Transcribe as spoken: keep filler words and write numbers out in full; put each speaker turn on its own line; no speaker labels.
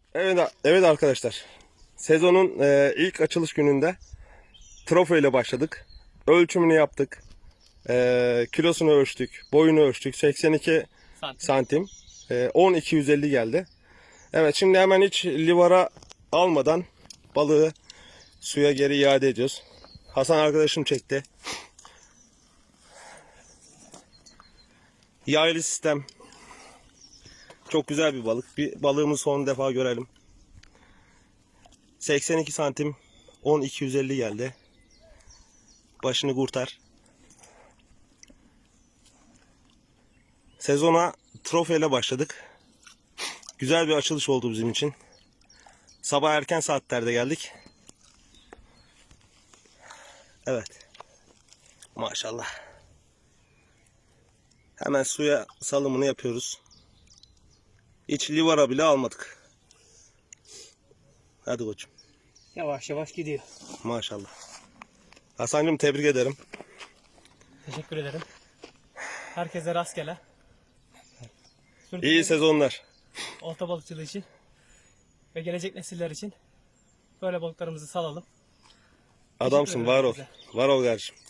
Evet, evet arkadaşlar. Sezonun e, ilk açılış gününde trofo ile başladık. Ölçümünü yaptık. E, kilosunu ölçtük. Boyunu ölçtük. seksen iki
Santim.
santim. E, on iki yüz elli geldi. Evet, şimdi hemen hiç livara almadan balığı suya geri iade ediyoruz. Hasan arkadaşım çekti. Yaylı sistem. Çok güzel bir balık. Bir balığımızı son defa görelim. seksen iki santim, on iki yüz elli geldi. Başını kurtar. Sezona trofeyle başladık. Güzel bir açılış oldu bizim için. Sabah erken saatlerde geldik. Evet. Maşallah. Hemen suya salımını yapıyoruz. Hiç livara bile almadık. Hadi koçum.
Yavaş yavaş gidiyor.
Maşallah. Hasan'cığım tebrik ederim.
Teşekkür ederim. Herkese rastgele.
İyi sezonlar.
Olta balıkçılığı için ve gelecek nesiller için böyle balıklarımızı salalım.
Adamsın, var ol. Var ol kardeşim.